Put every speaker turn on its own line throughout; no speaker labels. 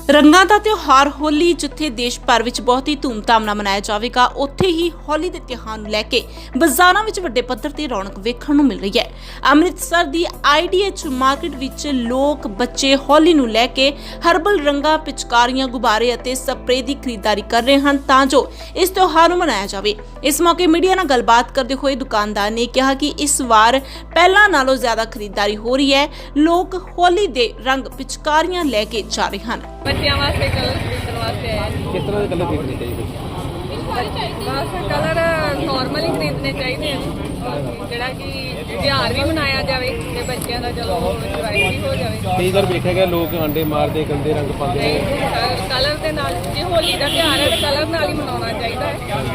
ਰੰਗਾਂ ਦਾ ਤਿਉਹਾਰ ਹੋਲੀ ਜਿੱਥੇ ਦੇਸ਼ ਭਰ ਵਿੱਚ ਬਹੁਤ ਹੀ ਧੂਮਧਾਮ ਨਾਲ ਮਨਾਇਆ ਜਾਵੇਗਾ, ਉੱਥੇ ਹੀ ਹੋਲੀ ਦੇ ਤਿਉਹਾਰ ਨੂੰ ਲੈ ਕੇ ਬਾਜ਼ਾਰਾਂ ਵਿੱਚ ਵੱਡੇ ਪੱਧਰ ਤੇ ਰੌਣਕ ਵੇਖਣ ਨੂੰ ਮਿਲ ਰਹੀ ਹੈ। ਅੰਮ੍ਰਿਤਸਰ ਦੀ IDH ਮਾਰਕੀਟ ਵਿੱਚ ਲੋਕ ਬੱਚੇ ਹੋਲੀ ਨੂੰ ਲੈ ਕੇ ਹਰਬਲ ਰੰਗਾਂ, ਪਿਚਕਾਰੀਆਂ, ਗੁਬਾਰੇ ਅਤੇ ਸਪਰੇਅ ਦੀ ਖਰੀਦਦਾਰੀ ਕਰ ਰਹੇ ਹਨ ਤਾਂ ਜੋ ਇਸ ਤਿਉਹਾਰ ਨੂੰ ਮਨਾਇਆ ਜਾਵੇ। ਇਸ ਮੌਕੇ ਮੀਡੀਆ ਨਾਲ ਗੱਲਬਾਤ ਕਰਦੇ ਹੋਏ ਦੁਕਾਨਦਾਰ ਨੇ ਕਿਹਾ ਕਿ ਇਸ ਵਾਰ ਪਹਿਲਾਂ ਨਾਲੋਂ ਜ਼ਿਆਦਾ ਖਰੀਦਦਾਰੀ ਹੋ ਰਹੀ ਹੈ। ਲੋਕ ਹੋਲੀ ਦੇ ਰੰਗ, ਪਿਚਕਾਰੀਆਂ ਲੈ ਕੇ ਜਾ ਰਹੇ ਹਨ।
ਬੱਚਿਆਂ ਵਾਸਤੇ ਕਲਰ ਖਰੀਦਣ ਵਾਸਤੇ ਆਏ।
ਕਿਸ ਤਰ੍ਹਾਂ ਦੇ ਕਲਰ ਖਰੀਦਣੇ ਚਾਹੀਦੇ?
ਬਸ ਕਲਰ ਨਾਰਮਲ ਹੀ ਖਰੀਦਣੇ ਚਾਹੀਦੇ ਆ, ਜਿਹੜਾ ਕਿ ਤਿਉਹਾਰ ਵੀ ਮਨਾਇਆ ਜਾਵੇ ਤੇ ਬੱਚਿਆਂ ਦਾ ਚਲੋ ਇੰਜੋਏ ਵੀ ਹੋ ਜਾਵੇ।
ਕਈ ਵਾਰ ਵੇਖਿਆ ਗਿਆ ਲੋਕ ਆਂਡੇ ਮਾਰਦੇ, ਗੰਦੇ ਰੰਗ ਪਾਉਂਦੇ ਨੇ।
ਕਲਰ ਦੇ ਨਾਲ, ਜੇ ਹੋਲੀ ਦਾ ਤਿਉਹਾਰ ਹੈ ਤਾਂ ਕਲਰ ਨਾਲ ਹੀ ਮਨਾਉਣਾ ਚਾਹੀਦਾ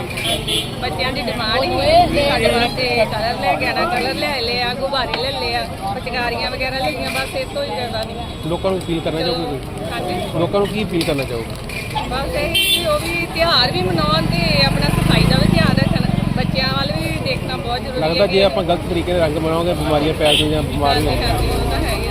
ਹੈ। ਬੱਚਿਆਂ ਦੀ ਡਿਮਾਂਡ ਹੀ ਸਾਡੇ ਵਾਸਤੇ ਕਲਰ ਲੈ ਕੇ ਆਣਾ, ਕਲਰ ਲੈ ਲਿਆ, ਗੁਬਾਰੇ ਲੈ ਲਿਆ, ਪਿਚਕਾਰੀਆਂ ਵਗੈਰਾ ਲਈਆਂ, ਬਸ ਇਹ ਤੋਂ ਹੀ ਜ਼ਿਆਦਾ ਨਹੀਂ।
ਲੋਕਾਂ ਨੂੰ ਅਪੀਲ ਕਰਨਾ ਚਾਹੋਗੇ?
ਹਾਂਜੀ,
ਲੋਕਾਂ ਨੂੰ ਕੀ ਅਪੀਲ ਕਰਨਾ ਚਾਹੋਗੇ?
ਬਸ ਇਹੀ ਉਹ ਵੀ ਤਿਉਹਾਰ ਵੀ ਮਨਾਉਣ ਤੇ ਆਪਣਾ ਸਫਾਈ ਦਾ ਵੀ ਧਿਆਨ ਰੱਖਣ, ਬੱਚਿਆਂ ਵੱਲ ਵੀ ਦੇਖਣਾ ਬਹੁਤ ਜ਼ਰੂਰੀ ਹੈ।
ਲੱਗਦਾ ਜੇ ਆਪਾਂ ਗਲਤ ਤਰੀਕੇ ਦੇ ਰੰਗ ਬਣਾਉਂਗੇ ਬਿਮਾਰੀਆਂ ਪੈ ਜਾਣਗੀਆਂ, ਬਿਮਾਰੀਆਂ
ਉਹ ਤਾਂ ਹੈ ਹੀ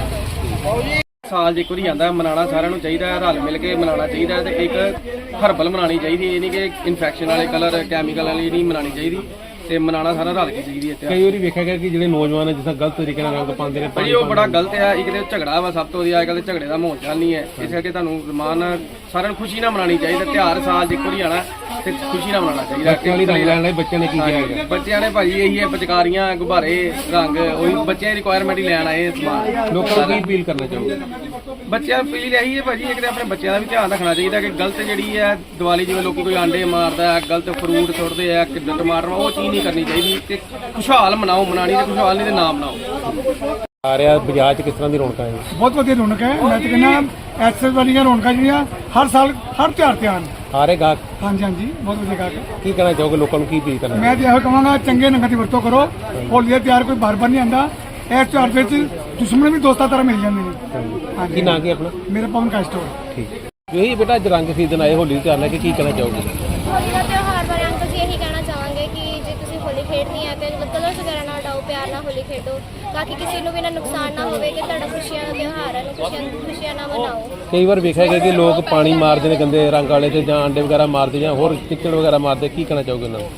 ਆ।
ਸਾਲ 'ਚ ਇੱਕ ਵਾਰੀ ਆਉਂਦਾ, ਮਨਾਉਣਾ ਸਾਰਿਆਂ ਨੂੰ ਚਾਹੀਦਾ ਹੈ, ਰਲ ਮਿਲ ਕੇ ਮਨਾਉਣਾ ਚਾਹੀਦਾ ਹੈ ਤੇ ਇੱਕ ਹਰਬਲ ਮਨਾਉਣੀ ਚਾਹੀਦੀ। ਇਹ ਨਹੀਂ ਕਿ ਇਨਫੈਕਸ਼ਨ ਵਾਲੇ ਕਲਰ, ਕੈਮੀਕਲ ਵਾਲੀ ਨਹੀਂ ਮਨਾਉਣੀ ਚਾਹੀਦੀ ਤੇ ਮਨਾਉਣਾ ਸਾਰਾ ਰਲ ਕੇ ਚਾਹੀਦੀ ਹੈ।
ਕਈ ਵਾਰੀ ਵੇਖਿਆ ਗਿਆ ਕਿ ਜਿਹੜੇ ਨੌਜਵਾਨ ਜਿਸ ਤਰ੍ਹਾਂ ਗਲਤ ਤਰੀਕੇ ਨਾਲ ਰੰਗ ਪਾਉਂਦੇ ਨੇ,
ਭਾਜੀ ਉਹ ਬੜਾ ਗਲਤ ਹੈ। ਇੱਕ ਤੇ ਝਗੜਾ ਵਾ, ਸਭ ਤੋਂ ਵਧੀਆ ਅੱਜ ਕੱਲ੍ਹ ਤੇ ਝਗੜੇ ਦਾ ਮਾਹੌਲ ਚੱਲ ਨਹੀਂ ਹੈ। ਇਸ ਕਰਕੇ ਤੁਹਾਨੂੰ ਰਮਾਨ ਸਾਰਿਆਂ ਨੂੰ ਖੁਸ਼ੀ ਨਾਲ ਮਨਾਉਣੀ ਚਾਹੀਦੀ। ਤਿਉਹਾਰ ਸਾਲ 'ਚ ਇੱਕ ਵਾਰੀ ਆਉਣਾ ਤੇ ਖੁਸ਼ੀ ਨਾਲ ਮਨਾਉਣਾ ਚਾਹੀਦਾ।
ਬੱਚਿਆਂ ਵਾਲੀ ਰੰਗ ਲੈਣ ਲਈ ਬੱਚਿਆਂ ਨੇ ਕੀ ਕਿਹਾ ਹੈਗਾ?
ਬੱਚਿਆਂ ਨੇ ਭਾਜੀ ਇਹੀ ਹੈ, ਪਿਚਕਾਰੀਆਂ, ਗੁਬਾਰੇ, ਰੰਗ, ਉਹੀ ਬੱਚਿਆਂ ਦੀ ਰਿਕੁਆਇਰਮੈਂਟ ਹੀ ਲੈਣ ਆਏ ਸਮਾਨ।
ਲੋਕਾਂ ਨੂੰ ਕੀ ਅਪੀਲ ਕਰਨਾ ਚਾਹੋਗੇ?
ਬੱਚਿਆਂ ਨੂੰ ਅਪੀਲ ਇਹੀ ਹੈ ਭਾਜੀ, ਇੱਕ ਤੇ ਆਪਣੇ ਬੱਚਿਆਂ ਦਾ ਵੀ ਧਿਆਨ ਰੱਖਣਾ ਚਾਹੀਦਾ ਕਿ ਗਲਤ ਜਿਹੜੀ ਹੈ ਦੀਵਾਲੀ, ਜਿਵੇਂ ਲੋਕੀ ਕੋਈ ਆਂਡੇ ਮਾਰਦਾ ਹੈ, ਗਲਤ ਫਰੂਟ ਸੁੱਟਦੇ ਆ, ਕਿੱਦਾਂ ਟਮਾਟਰ, ਉਹ ਚੀਜ਼ ਨਹੀਂ ਕਰਨੀ ਚਾਹੀਦੀ ਤੇ ਖੁਸ਼ਹਾਲ ਮਨਾਓ। ਮਨਾਣੀ ਤੇ ਖੁਸ਼ਹਾਲ ਨਹੀਂ ਤੇ ਨਾ ਮਨਾਓ।
ਆ ਰਿਹਾ ਬਾਜ਼ਾਰ 'ਚ ਕਿਸ ਤਰ੍ਹਾਂ ਦੀ ਰੌਣਕਾਂ ਹੈ?
ਬਹੁਤ ਵਧੀਆ ਰੌਣਕ ਹੈ। ਮੈਂ ਤਾਂ ਕਹਿੰਦਾ ਐਕਸੈਸ ਵਾਲੀਆਂ ਰੌਣਕਾਂ ਜਿਹੜੀਆਂ ਹਰ ਸਾਲ ਹਰ ਤਿਉਹਾਰ ਤੇ ਆਉਣ।
ਆ ਰਹੇ ਗਾਹਕ?
ਹਾਂਜੀ ਹਾਂਜੀ, ਬਹੁਤ ਵਧੀਆ ਗਾਹਕ ਹੈ।
ਕੀ ਕਹਿਣਾ ਚਾਹੋਗੇ? ਲੋਕਾਂ ਨੂੰ ਕੀ ਅਪੀਲ ਕਰਨਾ?
ਮੈਂ ਤਾਂ ਇਹੋ ਕਹਾਂਗਾ ਚੰਗੇ ਰੰਗਾਂ ਦੀ ਵਰਤੋਂ ਕਰੋ। ਹੋਲੀ ਦਾ ਤਿਉਹਾਰ ਕੋਈ ਬਾਰ-ਬਾਰ ਨਹੀਂ ਆਉਂਦਾ। ਇਸ ਤਿਉਹਾਰ ਵਿੱਚ ਦੁਸ਼ਮਣ ਵੀ ਦੋਸਤਾਂ ਤਰ੍ਹਾਂ ਮਿਲ ਜਾਂਦੇ ਨੇ। ਹਾਂਜੀ,
ਕੀ ਨਾਂ ਕੀ ਆਪਣਾ?
ਮੇਰਾ ਪਵਨ ਕਾ ਸਟੋਰ।
ਠੀਕ ਜੀ ਬੇਟਾ, ਅੱਜ ਰੰਗ ਖਰੀਦਣ ਆਏ ਹੋਲੀ ਦੇ ਤਿਉਹਾਰ ਲੈ ਕੇ, ਕੀ ਕਹਿਣਾ ਚਾਹੋਗੇ?
ਹੋਲੀ ਦਾ ਤਿਉਹਾਰ ਬਾਰੇ ਅੰਕਲ ਜੀ ਇਹੀ ਕਹਿਣਾ ਚਾਹਾਂਗੇ ਕਿ ਜੇ ਤੁਸੀਂ ਹੋਲੀ ਖੇਡਣੀ ਹੈ ਤੇ ਕਲਰਸ ਵਗੈਰਾ ਨਾਲ ਉਡਾਓ, ਪਿਆਰ ਨਾਲ ਹੋਲੀ ਖੇਡੋ ਤਾਂ ਕਿ ਕਿਸੇ ਨੂੰ ਵੀ ਨਾ ਨੁਕਸਾਨ ਨਾ ਹੋਵੇ ਤੇ ਤੁਹਾਡਾ ਖੁਸ਼ੀਆਂ ਦਾ ਤਿਉਹਾਰ ਹੈ, ਖੁਸ਼ੀਆਂ ਨਾਲ ਮਨਾਓ।
ਕਈ ਵਾਰ ਵੇਖਿਆ ਗਿਆ ਕਿ ਲੋਕ ਪਾਣੀ ਮਾਰਦੇ ਨੇ ਗੰਦੇ ਰੰਗ ਵਾਲੇ ਤੇ ਜਾਂ ਆਂਡੇ ਵਗੈਰਾ ਮਾਰਦੇ ਜਾਂ ਹੋਰ ਚਿੱਕੜ ਵਗੈਰਾ ਮਾਰਦੇ, ਕੀ ਕਹਿਣਾ ਚਾਹੋਗੇ ਉਹਨਾਂ ਨੂੰ?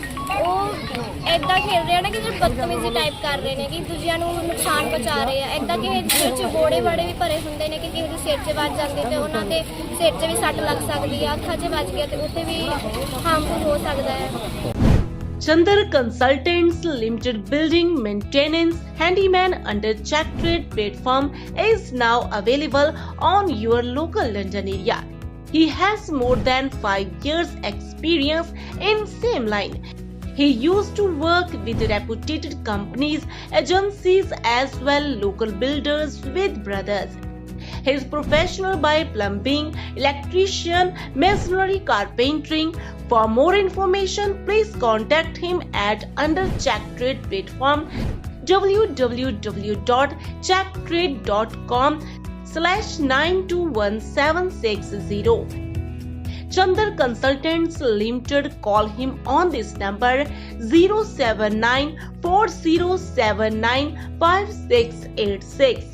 ਉਹ ਏਦਾਂ ਖੇਡ ਰਹੇ ਆ ਨਾ ਕਿ ਜਿਹੜੇ ਬਦਤਮੀਜ਼ੀ ਟਾਈਪ ਕਰ ਰਹੇ ਨੇ ਕਿ ਦੂਜਿਆਂ ਨੂੰ ਨੁਕਸਾਨ ਪਹੁੰਚਾ ਰਹੇ ਆ। ਏਦਾਂ ਕਿਸੇ ਦੇ ਸਿਰ 'ਚ ਬੋੜੇ ਬਾੜੇ ਵੀ ਭਰੇ ਹੁੰਦੇ ਨੇ ਕਿ ਕਿਸੇ ਦੇ ਸਿਰ 'ਚ ਵੱਜ ਜਾਂਦੇ ਤੇ ਉਹਨਾਂ ਦੇ ਸਿਰ 'ਚ ਵੀ ਸੱਟ ਲੱਗ ਸਕਦੀ ਆ, ਅੱਖਾਂ 'ਚ ਵੱਜ ਗਿਆ ਤੇ ਉੱਥੇ ਵੀ ਹਾਰਮਫੁਲ ਹੋ ਸਕਦਾ ਹੈ।
Chandar Consultants Limited Building Maintenance Handyman under Check Trade platform is now available on your local London area. He has more than 5 years experience in same line. He used to work with reputed companies, agencies as well local builders with brothers. He is professional by plumbing, electrician, masonry, carpentering. For more information, please contact him at under Check Trade platform www.checktrade.com/921760. Chandar Consultants Limited. Call him on this number 07940795686.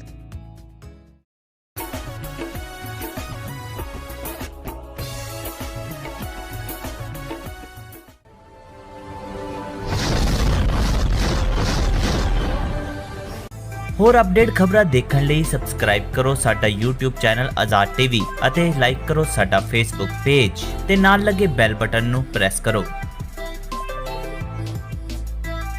ਹੋਰ update ਖਬਰਾਂ ਦੇਖਣ ਲਈ subscribe ਕਰੋ ਸਾਡਾ YouTube channel Azad TV ਅਤੇ like ਕਰੋ ਸਾਡਾ Facebook page ਤੇ ਨਾਲ ਲੱਗੇ ਬੈਲ ਬਟਨ ਨੂੰ ਪ੍ਰੈਸ ਕਰੋ।